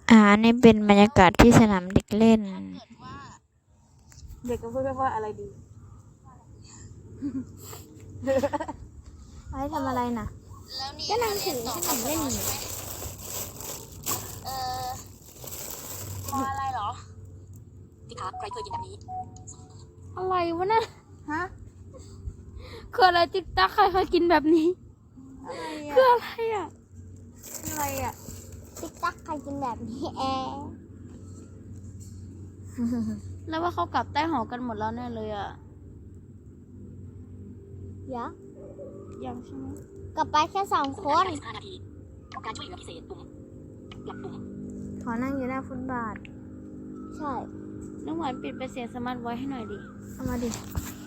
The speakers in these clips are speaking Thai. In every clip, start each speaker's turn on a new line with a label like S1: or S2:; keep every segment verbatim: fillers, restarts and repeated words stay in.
S1: อ่านี่เป็นบรรยากาศที่สนามเด็กเล่น
S2: เด็กก็พูดว่าอะไรดี
S1: ไว้ทำอะไรนะ
S3: ก็นั่งถือขนมเล่นอยู่เออพออะไรเหรอพี่คะใครเคยกินแบบนี้อะไรวะน่ะ
S2: ฮะ
S3: คืออะไรติ๊กตักใครเคยกินแบบนี้
S2: อะไร
S3: คือ
S2: อ่ะ
S3: อะไรอ่ะ
S2: อะไรอ่ะ
S3: ติ๊กตักใครกินแบบนี้แอแล้วว่าเขากลับใต้หอกันหมดแล้วแน่เลยอ่ะยังยังใช่ไหมกลับไปแค่สองคนการช่วยเหลือพิเศษปุ่มหลับปุ่ม
S1: ขอนั่งอยู่หน้าฟุตบาท
S3: ใช่น้องหวานปิดไปเสียงสมาร์ทไว้ให้หน่อยดิ
S1: เอามาดิ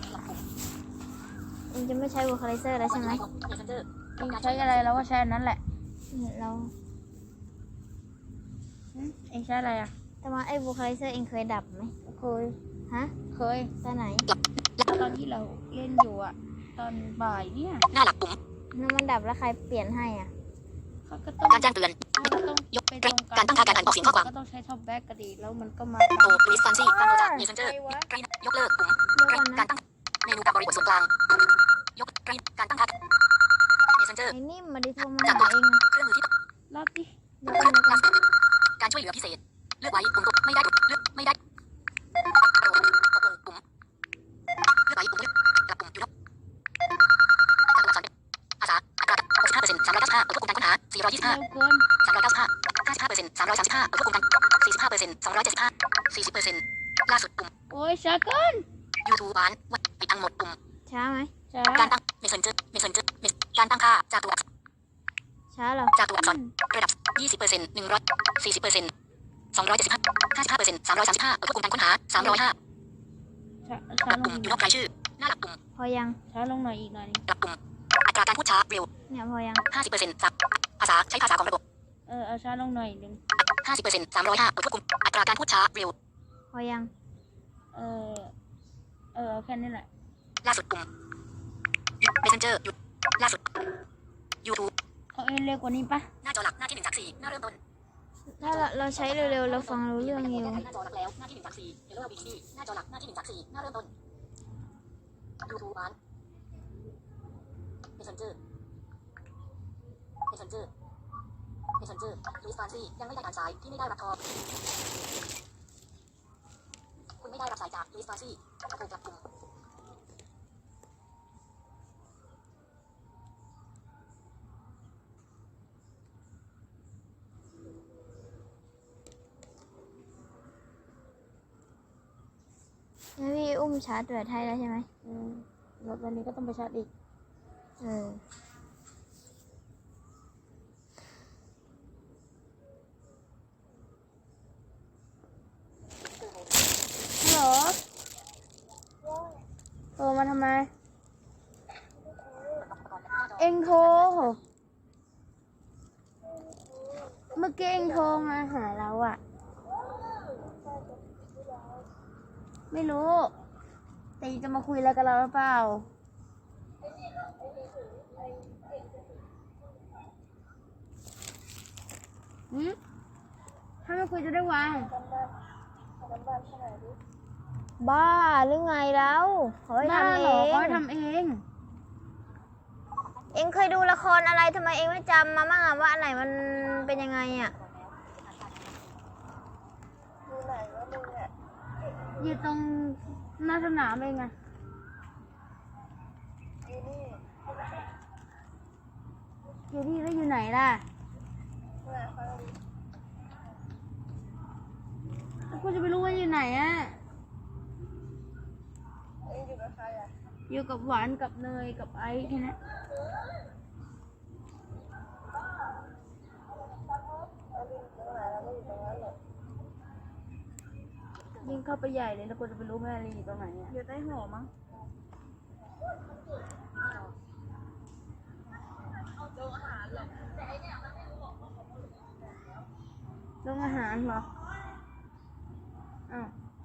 S1: เองจะไม่ใช้วอลคาไลเซอร์แล้วใช่ไหม
S3: เองใช้อะไรเราก็ใช้อันนั้นแหละ
S1: เรา
S3: เองใช้อะไรอ่ะ
S1: แต่ว่าไอ้วอลคาไลเซอร์เองเคยดับไหม
S3: เคย
S1: ฮะ
S3: เคย
S1: ตอนไหน
S3: ตอนที่เราเล่นอยู่อ่ะตอนบ่ายเนี่ย
S4: หน้าหลักปุ่ม
S1: น้ำมันดับแล้วใครเปลี่ยนให้อ่ะ
S3: เขาก็ต้อง
S4: การแจ้งเตือน
S3: ยกไปตรง
S4: การตั้งค่าการออกเสียงข้อความ
S3: ก็ต้องใช้ท็อปแบ็กกระดีแล้วมันก็มา
S4: โอ้ลิสฟันซี่ตั้งโดจากเมสเซนเจอร์ยกเลิกปุ่มการตั้งเมนูการบริบทส่วนกลางยกการตั้งค่าเมสเซนเจอร์
S1: ไอ้นิ่มมาดิโทรมาหาเอง
S4: เครื่องมือที่
S3: รอบดิ
S4: การช่วยเหลือพิเศษเลือกไว้ปุ่มตกไม่ได้เลือกไม่ได้ปุ่มเลือกไว้ปุ่มเลือกกลับปุ่มยูนกการตัวอักษรภาษาอัตราหกสิบห้าเปอร์เซ็นต์สามร้อยเก้าสิบห้าควบคุมการค้นหาสี่ร้อยยี่สิบห้าสามร้อยเก้าสิบห้าห้าสิบห้าเปอร์เซ็นต์สามร้อยสามสิบห้าควบคุมการสี่สิบห้าเปอร์เซ็นต์สองร้อยเจ็ดสิบห้าสี่สิบเปอร์เซ็นต์ล่าสุดปุ่ม
S3: โอ้ยช้าเกิน
S4: ยูทูบบ้านปิดทั้งหมดปุ่ม
S1: ช้าไหม
S3: ช้า
S4: การตั้งเมสเซนเจอร์เมสเซนเจอร์การตั้งค่าจากตัว
S1: ช้าเหรอ
S4: จากตัวอักษรระดับยี่สิบเปอร์เซ็นต์หนึ่งร้อยสี่สิบเปอร์เซ็นต์สองร้อยเจ็ดสิบห้าห้าสิบห้าเปอร์เซ็นต์สามร้อยสามสิบห้าควบคุมการค้นหาสามร้อยห้า
S3: ช้าลง
S4: ปุ่มยูนกรายชื่อหน้าหลักปุ่ม
S1: พอยัง
S3: ช้าลงหน่อยอีกหน่อย
S4: หลักปุ่มอัตราการพูดช้าเร็ว
S1: เนี่ยพอยัง
S4: ห้าสิบเปอร์เซ็นต์ภาษาใช้ภาษาของระบบ
S3: เออเอาช้าลงหน่อยนึง
S4: ห้าสิบเปอร์เซ็นต์สามร้อยห้าควบคุมอัตราการพูดช้าเร็ว
S1: พอยัง
S3: เออเออแค่นี้แหละ
S4: ล่าสุดปุ่ม Messenger ล่าสุด YouTube
S3: เขาเอ็นเร็วกว่านี้ปะ
S4: หน้าจอหลักหน้าที่หนึ่งจากสี่หน้าเริ่มต้น
S1: ถ้าเราเราใช้เร็วๆเราฟังรู้เรื่องอยู่
S4: หน้าจอหลักแล้วหน้าที่หนึ่งจากสี่เฮลโลวีซีหน้าจอหลักหน้าที่หนึ่งจากสี่หน้าเริ่มต้น YouTube บ้าน Messenger Messenger Messenger ลิสฟานซี่ยังไม่ได้การสายที่ไม่ได้รับทอคุณไม่ได้รับสายจากลิสฟานซี่โทรกลับปุ่ม
S1: แล้วพี่อุ้มชาร์จแบบไทยแล้วใช่ไหม
S3: อืมแล้ววันนี้ก็ต้องไปชาร์จอีก
S1: เออ
S3: ฮัลโหลโทรมาทำไมเอ็งโทรเมื่อกี้เอ็งโทรมาหาเราอะไม่รู้แต่จะมาคุยอะไรกับเราหรือเปล่าหืมถ้าไม่คุยจะได้วาง
S1: บ้าหรือไงแล้วเฮ้ยทำเอง
S3: เขาทำเอง
S1: เองเคยดูละครอะไรทำไมเองไม่จำมาบ้างอะว่าอันไหนมันเป็นยังไงอะ
S3: อยู่ตรงหน้าสนามเองอะอยู่ที่แล้วอยู่ไหนล่ะแล้วกูจะไปรู้ว่าอยู่ไหนอะอยู่กับหวานกับเนยกับไอซ์แค่นั้นยิ่งเข้าไปใหญ่เลยแล้วกูจะไปรู้แม่ลีอยู่ตรงไหนเนี่ย
S1: อยู่ใต้หัวมั้ง
S3: โรงอาหารเหรออ้าว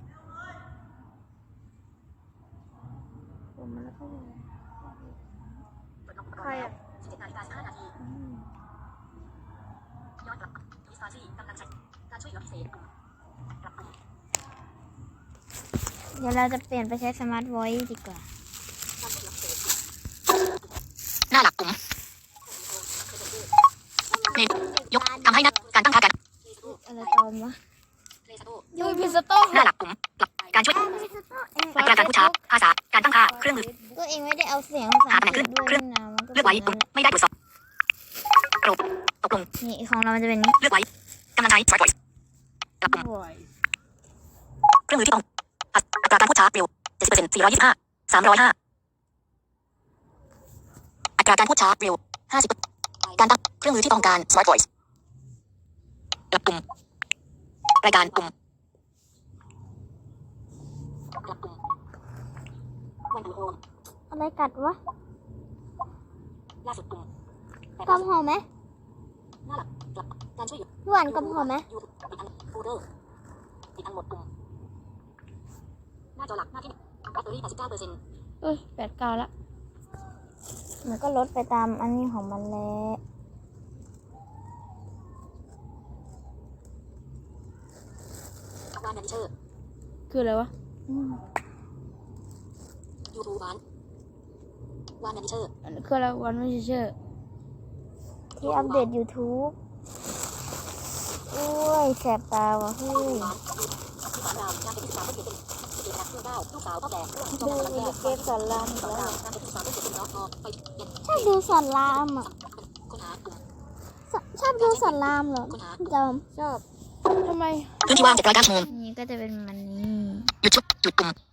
S3: ผมมาแล้วก็
S1: ใครอ่ะ
S4: สิบเจ็ดนาฬิกาสิบห้านาทีย้อนกลับลิสฟาซี่กำลังใช้การช่วย
S1: ดี๋ยวเราจะเปลี่ยนไปใช้สมาร์ทวอยซ์ดีกว่า
S4: หน้าหลักกลุ่มเมนูยกทำให้นักการตั้งค่าการ
S1: อะไรตอมวะ
S2: ยูพิสโต้
S4: หน้าหลักกลุ่มการช่วยอัตราการพูดช้าภาษาการตั้งค่าเครื่องมือ
S1: ก็เองไม่ได้เอาเสียงภาษาอังกฤษด้วยนี่นะมันก็
S4: เลือก
S1: เป็
S4: ไว้
S1: น
S4: ปุ่ม
S1: อย่างนั้นแหละ
S4: ไม่ได้ตรวจสอบกลุ่มตกลง
S1: นี่ของเรามันจะเป็นอย่างนี้
S4: เลือกไว้กำลังใช้ Smart Voice หลักกลุ่ม
S2: บ่อย
S4: เครื่องมือที่ต้องอัตราการพูดช้าเร็ว เจ็ดสิบเปอร์เซ็นต์ สี่ร้อยยี่สิบห้า สามร้อยห้า อัตราการพูดช้าเร็ว ห้าสิบ การตั้งเครื่องมือที่ต้องการ Smart Voice หลักกลุ่มรายการกลุ่มหลักกลุ่มวันดูโฮม
S1: อะไรกัดวะ
S4: ล่าสุดกลุ่ม
S1: กำหอมไหม
S4: หน้าหลักหลักการช่วยเหลือ
S1: หวานกำหอมไหม
S4: ยูทูบปิดทั้งโฟลเดอร์ปิดทั้งหมดกลุ่มหน้าจอหลักหน้าที่แบตเตอรี่ แปดสิบเก้าเปอร์เซ็นต์
S2: เอ้ยแปดเก้าละ
S1: มันก็ลดไปตามอันนี้ของมันแหละ
S4: วานแมนเชอร์
S2: คืออะไรวะ
S1: อืม
S4: ยูทูบวานวานแมนเชอร์
S2: อันนี้คืออะไรวันไม่เชื่อ
S1: ที่อัปเดต YouTube โอ้ยแสบตาวะเฮ้ย
S4: วานที่สามดาวนางเป็นที่สามเพื่อนเป็นเด็กนักเพื่อนเก้าลูกสาวพ่อแก่ลูกจอม
S1: ดู
S4: กำลังแย่
S1: เกมสอนรามอีก
S4: สอง
S1: แล้ว
S4: ดาวนางเป็นที่สามเพื่อนเป็นน้องพอไปเย็น
S1: ชอบดูสอนรามอ่ะ
S4: ค้นหากลุ่ม
S1: ชชอบดูสอนรามเหรอ
S4: ค้นหา
S1: จอม
S2: ชอบทำไม
S4: พื้นที่ว่างเจ็ดร้อยเก้าชั่วโมง
S1: นี่ก็จะเป็นมันนี้
S4: หยุดชุดจุดกลุ่ม